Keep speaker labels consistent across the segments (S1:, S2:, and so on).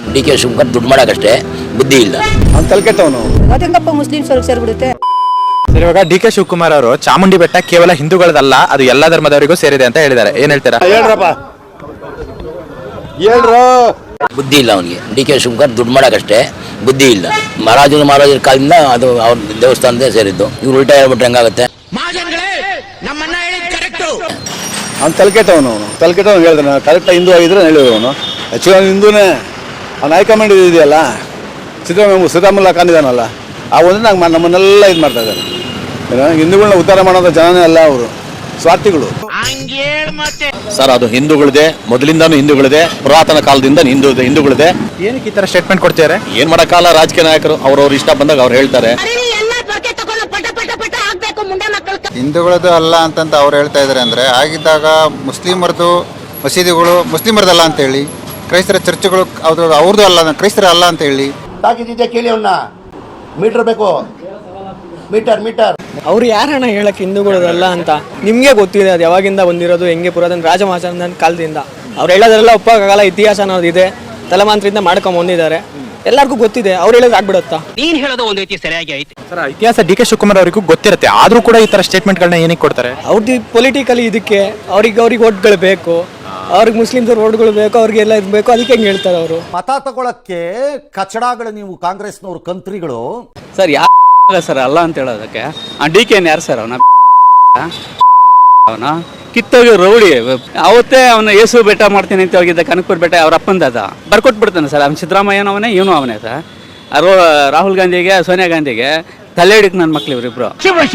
S1: D K Shivakumar ದುಡ್ಡು ಮಾಡೋಕ್ಕಷ್ಟೇ, ಬುದ್ಧಿ ಇಲ್ಲ.
S2: ಅವ್ನು ತಲೆಕೆಟ್ಟವನು.
S3: ಅದಂಗಪ್ಪ ಮುಸ್ಲಿಮ್ಸ್ ಅವ್ರಿಗೆ ಸೇರಿಬಿಡುತ್ತೆ.
S4: ಸರ್, ಇವಾಗ ಡಿ ಕೆ ಶಿವಕುಮಾರ್ ಅವರು ಚಾಮುಂಡಿ ಬೆಟ್ಟ ಕೇವಲ ಹಿಂದೂಗಳದಲ್ಲ, ಅದು ಎಲ್ಲಾ ಧರ್ಮದವರಿಗೂ ಸೇರಿದೆ ಅಂತ ಹೇಳಿದ್ದಾರೆ. ಏನ್ ಹೇಳ್ತೀರಾ?
S2: ಹೇಳ್ರಪ್ಪ, ಹೇಳ್ರು.
S1: ಬುದ್ಧಿ ಇಲ್ಲ ಅವನಿಗೆ. ಡಿ ಕೆ ಶಿವಕುಮಾರ್ ದುಡ್ಡು ಮಾಡೋಕ್ಕಷ್ಟೇ, ಬುದ್ಧಿ ಇಲ್ಲ. ಮಹಾರಾಜರ ಕಾಲದಿಂದ ಅದು ಅವ್ರ ದೇವಸ್ಥಾನದೇ ಸೇರಿದ್ದು. ಇವ್ರು ಉಲ್ಟಾ ಹೇಳ್ಬಿಟ್ರೆ ಹೆಂಗಾಗುತ್ತೆ?
S2: ಅವ್ನು ತಲೆಕೆಟ್ಟವನು. ತಲೆಕೆಟ್ಟವನು ಹೇಳಿದ್ರೆ ಕರೆಕ್ಟಾಗಿ ಹಿಂದೂ ಆಗಿದ್ರೆ ಹೇಳಿದ್ರು. ಅವನು ಆ್ಯಕ್ಚುಲಿ ಹಿಂದೂನೇ. ಅವ್ನು ಹೈಕಮಾಂಡ್ ಇದೆಯಲ್ಲ, ಸಿದ್ದರಾಮಯ್ಯ ಕಾಣಿದಾನಲ್ಲ, ಆ ಒಂದು ನಮ್ಮನ್ನೆಲ್ಲ ಇದು ಮಾಡ್ತಾ ಇದ್ದಾರೆ. ಹಿಂದೂಗಳನ್ನ ಉದ್ಧಾರ ಮಾಡೋದು ಜನನೇ ಅಲ್ಲ, ಅವರು ಸ್ವಾರ್ಥಿಗಳು.
S5: ಸರ್, ಅದು ಹಿಂದೂಗಳಿದೆ, ಮೊದಲಿಂದಾನು ಹಿಂದೂಗಳಿದೆ, ಪುರಾತನ ಕಾಲದಿಂದ ಹಿಂದೂಗಳಿದೆ.
S4: ಏನಕ್ಕೆ ಈ ತರ ಸ್ಟೇಟ್ಮೆಂಟ್ ಕೊಡ್ತಿದ್ದಾರೆ?
S5: ಏನ್ ಮಾಡಕ್ಕಾಗಲ್ಲ, ರಾಜಕೀಯ ನಾಯಕರು ಅವ್ರವ್ರ ಇಷ್ಟ ಬಂದಾಗ ಅವ್ರು ಹೇಳ್ತಾರೆ.
S6: ಹಿಂದೂಗಳದ್ದು ಅಲ್ಲ ಅಂತಂತ ಅವ್ರು ಹೇಳ್ತಾ ಇದ್ದಾರೆ. ಅಂದರೆ ಆಗಿದ್ದಾಗ ಮುಸ್ಲಿಮರದು ಮಸೀದಿಗಳು ಮುಸ್ಲಿಮರದಲ್ಲ ಅಂತೇಳಿ, ಕ್ರೈಸ್ತರ ಚರ್ಚ್ಗಳು ಅವ್ರದ್ದು ಅಲ್ಲ, ಕ್ರೈಸ್ತರ ಅಲ್ಲ ಅಂತ ಹೇಳಿ
S7: ತಾಕಿದ್ದೆ ಕೇಳಿ. ಅವನ್ನ ಮೀಟರ್ ಬೇಕು, ಮೀಟರ್.
S8: ಅವ್ರು ಯಾರಣ್ಣ ಹೇಳಕ್ಕೆ ಹಿಂದೂಗಳದಲ್ಲ ಅಂತ? ನಿಮಗೆ ಗೊತ್ತಿದೆ ಅದು ಯಾವಾಗಿಂದ ಬಂದಿರೋದು, ಹೆಂಗೆ ಪುರಾತನ ರಾಜಮಹಾರಾಜನ ಕಾಲದಿಂದ. ಅವ್ರು ಹೇಳೋದ್ರೆಲ್ಲ ಒಪ್ಪಕ್ಕಾಗಲ್ಲ, ಇತಿಹಾಸ ಅನ್ನೋದಿದೆ, ತಲೆಮಾಂತ್ರಿಂದ ಮಾಡ್ಕೊಂಡ್ ಬಂದಿದ್ದಾರೆ, ಎಲ್ಲರಿಗೂ ಗೊತ್ತಿದೆ. ಅವ್ರು ಹೇಳೋದು ಆಗ್ಬಿಡುತ್ತಾ?
S9: ನೀನ್ ಹೇಳೋದು ಒಂದು ರೀತಿ ಸರಿಯಾಗಿ ಐತೆ
S4: ಸರ್, ಇತಿಹಾಸ ಡಿ ಕೆ ಶಿವಕುಮಾರ್ ಅವರಿಗೂ ಗೊತ್ತಿರುತ್ತೆ, ಆದ್ರೂ ಕೂಡ ಈ ತರ ಸ್ಟೇಟ್ಮೆಂಟ್ ಗಳನ್ನ ಏನಕ್ಕೆ ಕೊಡ್ತಾರೆ?
S8: ಅವ್ರದ್ದು ಪೊಲಿಟಿಕಲಿ ಇದಕ್ಕೆ ಅವ್ರಿಗೆ ಓಟ್ಗಳು ಬೇಕು, ಅವ್ರಿಗೆ ಮುಸ್ಲಿಮ್ಸ್ ಓಟ್ಗಳು ಬೇಕು, ಅವ್ರಿಗೆಲ್ಲ ಇದು ಬೇಕು, ಅದಕ್ಕೆ ಹೆಂಗೆ ಹೇಳ್ತಾರೆ ಅವರು?
S7: ಮತ ತಗೊಳಕ್ಕೆ ಕಚಡಗಳು ನೀವು ಕಾಂಗ್ರೆಸ್ನವ್ರು ಕಂತ್ರಿಗಳು.
S10: ಸರ್, ಯಾರ ಸರ್ ಅಲ್ಲ ಅಂತ ಹೇಳೋದಕ್ಕೆ? ಡಿ ಕೆ ಯಾರು ಸರ್? ಅವನ ಕಿತ್ತೋಗಿ ರೌಡಿ. ಅವತ್ತೇ ಅವನು ಯೇಸು ಬೆಟ್ಟ ಮಾಡ್ತೀನಿ ಅಂತ ಹೋಗಿದ್ದ, ಕನಕಪುರ ಬೆಟ್ಟ ಅವ್ರ ಅಪ್ಪಂದದ ಬರ್ಕೊಟ್ಬಿಡ್ತಾನೆ ಸರ್. ಅವ್ನು ಸಿದ್ದರಾಮಯ್ಯನವನೇ, ಇವನು ಅವನೇ ಸರ್. ರಾಹುಲ್ ಗಾಂಧಿಗೆ, ಸೋನಿಯಾ ಗಾಂಧಿಗೆ ತಲೆ ಹಿಡಿಕ್ ನನ್ನ ಮಕ್ಳು ಇವರಿಬ್ರು.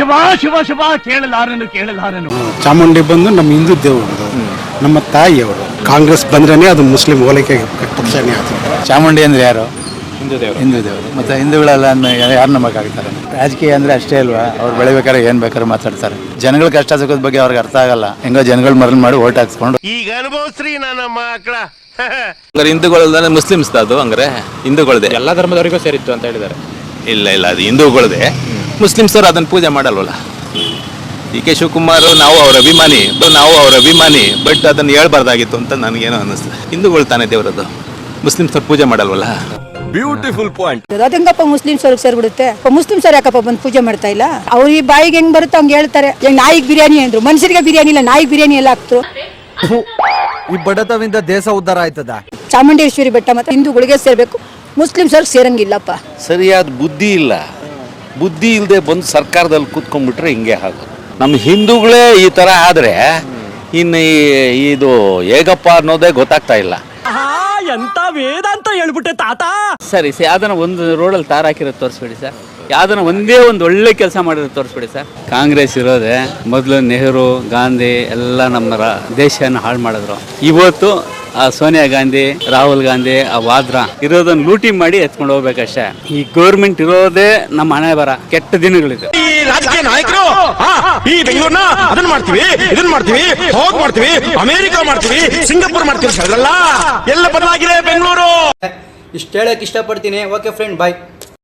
S9: ಕೇಳಲಾರನು.
S2: ಚಾಮುಂಡಿ ಬಂದು ನಮ್ಮ ಹಿಂದೂ ದೇವರು, ನಮ್ಮ ತಾಯಿಯವರು. ಕಾಂಗ್ರೆಸ್ ಬಂದ್ರೇನೆ ಅದು ಮುಸ್ಲಿಂ ಹೋಲಿಕೆ ಪಕ್ಷನೇ ಆಯ್ತು.
S4: ಚಾಮುಂಡಿ ಅಂದ್ರೆ ಯಾರು?
S2: ಹಿಂದೂ ದೇವರು. ಮತ್ತೆ ಹಿಂದೂಗಳೆಲ್ಲ ಯಾರು ನಂಬಕ್ಕಾಗ್ತಾರೆ? ರಾಜಕೀಯ ಅಂದ್ರೆ ಅಷ್ಟೇ ಅಲ್ವಾ? ಅವ್ರು ಬೆಳಿಬೇಕಾದ್ರೆ ಏನ್ ಬೇಕಾದ್ರೂ ಮಾತಾಡ್ತಾರೆ. ಜನಗಳ ಕಷ್ಟ ಸುಖದ ಬಗ್ಗೆ ಅವ್ರಿಗೆ ಅರ್ಥ ಆಗಲ್ಲ. ಹೆಂಗೋ ಜನಗಳು ಮರಳು ಮಾಡಿ ಓಟ್ ಹಾಕ್ಸ್ಕೊಂಡು
S9: ಈಗ ಅನುಭವಿಸ್ರಿ ನನ್ನ ಮಕ್ಕಳ.
S5: ಹಿಂದೂಗಳಲ್ದಾನೆ ಮುಸ್ಲಿಮ್ಸ್ ಅದು ಹಂಗಾರೆ ಹಿಂದೂಗಳದೇ,
S4: ಎಲ್ಲಾ ಧರ್ಮದವರಿಗೂ ಸೇರಿತ್ತು ಅಂತ ಹೇಳಿದ್ದಾರೆ.
S5: ಇಲ್ಲ, ಅದು ಹಿಂದೂಗಳದೇ. ಮುಸ್ಲಿಮ್ಸ್ ಅವರು ಅದನ್ನ ಪೂಜೆ ಮಾಡಲ್ವಲ್ಲ. ಡಿ ಕೆ ಶಿವಕುಮಾರ್ ನಾವು ಅವ್ರ ಅಭಿಮಾನಿ, ಬಟ್ ಅದನ್ನ ಹೇಳ್ಬಾರ್ದಾಗಿತ್ತು ಅಂತ ನನಗೇನೋ ಅನ್ನಿಸ್ತದೆ. ಹಿಂದೂಗಳು ತಾನೇ ದೇವರದ್ದು, ಮುಸ್ಲಿಮ್ಸ್ ಅವ್ರು ಪೂಜೆ ಮಾಡಲ್ವಲ್ಲ. Beautiful point.
S3: ಅದಂಗಪ್ಪ ಮುಸ್ಲಿಮ್ಸ್ ಅವ್ರಿಗೆ ಸೇರಿಬಿಡುತ್ತೆ. ಮುಸ್ಲಿಮ್ಸ್ ಅವ್ರು ಯಾಕಪ್ಪ ಬಂದು ಪೂಜೆ ಮಾಡ್ತಾ ಇಲ್ಲ? ಅವ್ರ ಈ ಬಾಯಿಗೆ ಹೆಂಗ್ ಬರುತ್ತೆ ಹಂಗೆ ಹೇಳ್ತಾರೆ. ಹೆಂಗ್ ನಾಯಿಗೆ ಬಿರಿಯಾನಿ ಅಂದ್ರು, ಮನುಷ್ಯರಿಗೆ ಬಿರಿಯಾನಿ ಇಲ್ಲ, ನಾಯಿಗೆ ಬಿರಿಯಾನಿ ಎಲ್ಲ ಹಾಕ್ತು.
S7: ಈ ಬಡತವಿಂದ ದೇಶ ಉದ್ಧಾರ ಆಯ್ತದ?
S3: ಚಾಮುಂಡೇಶ್ವರಿ ಬೆಟ್ಟ ಮತ್ತೆ ಹಿಂದೂಗಳಿಗೆ ಸೇರ್ಬೇಕು, ಮುಸ್ಲಿಮ್ಸ್ ಅವ್ರಿಗೆ ಸೇರಂಗಿಲ್ಲಪ್ಪ.
S5: ಸರಿಯಾದ ಬುದ್ಧಿ ಇಲ್ಲ. ಬುದ್ಧಿ ಇಲ್ಲದೆ ಬಂದು ಸರ್ಕಾರದಲ್ಲಿ ಕೂತ್ಕೊಂಡ್ಬಿಟ್ರೆ ಹಿಂಗೆ ಆಗೋದು. ನಮ್ಮ ಹಿಂದೂಗಳೇ ಈ ಥರ ಆದರೆ ಇನ್ನು ಇದು ಹೇಗಪ್ಪ ಅನ್ನೋದೇ ಗೊತ್ತಾಗ್ತಾ ಇಲ್ಲ.
S9: ಎಂತ ವೇದ ಅಂತ ಹೇಳ್ಬಿಟ್ಟೆ ತಾತ.
S10: ಸರಿ, ಯಾವ್ದನ್ನ ಒಂದು ರೋಡಲ್ಲಿ ತಾರ ಹಾಕಿರೋದು ತೋರಿಸ್ಬಿಡಿ ಸರ್. ಯಾವ್ದನ್ನ ಒಂದೇ ಒಂದು ಒಳ್ಳೆ ಕೆಲಸ ಮಾಡಿರೋದು ತೋರಿಸ್ಬಿಡಿ ಸರ್. ಕಾಂಗ್ರೆಸ್ ಇರೋದೆ ಮೊದಲು ನೆಹರು, ಗಾಂಧಿ ಎಲ್ಲ ನಮ್ಮ ದೇಶನ ಹಾಳು ಮಾಡಿದ್ರು. ಇವತ್ತು ಆ ಸೋನಿಯಾ ಗಾಂಧಿ, ರಾಹುಲ್ ಗಾಂಧಿ, ಆ ವಾದ್ರಾ ಇರೋದನ್ನ ಲೂಟಿ ಮಾಡಿ ಎತ್ಕೊಂಡು ಹೋಗ್ಬೇಕಷ್ಟೇ. ಈ ಗೌರ್ಮೆಂಟ್ ಇರೋದೇ ನಮ್ಮ ಹಣೆ ಬರ, ಕೆಟ್ಟ ದಿನಗಳಿದೆ.
S9: ಈ ರಾಜಕೀಯ ನಾಯಕರು ಈ ಬೆಂಗಳೂರ್ನ ಅದನ್ನ ಮಾಡ್ತೀವಿ, ಇದನ್ನ ಮಾಡ್ತೀವಿ, ಹೋಗ್ ಮಾಡ್ತೀವಿ, ಅಮೆರಿಕ ಮಾಡ್ತೀವಿ, ಸಿಂಗಾಪುರ್ ಮಾಡ್ತೀವಿ, ಎಲ್ಲ ಬದಲಾಗಿದೆ ಬೆಂಗಳೂರು.
S8: ಇಷ್ಟು ಹೇಳಕ್ ಇಷ್ಟಪಡ್ತೀನಿ. ಓಕೆ ಫ್ರೆಂಡ್, ಬಾಯ್.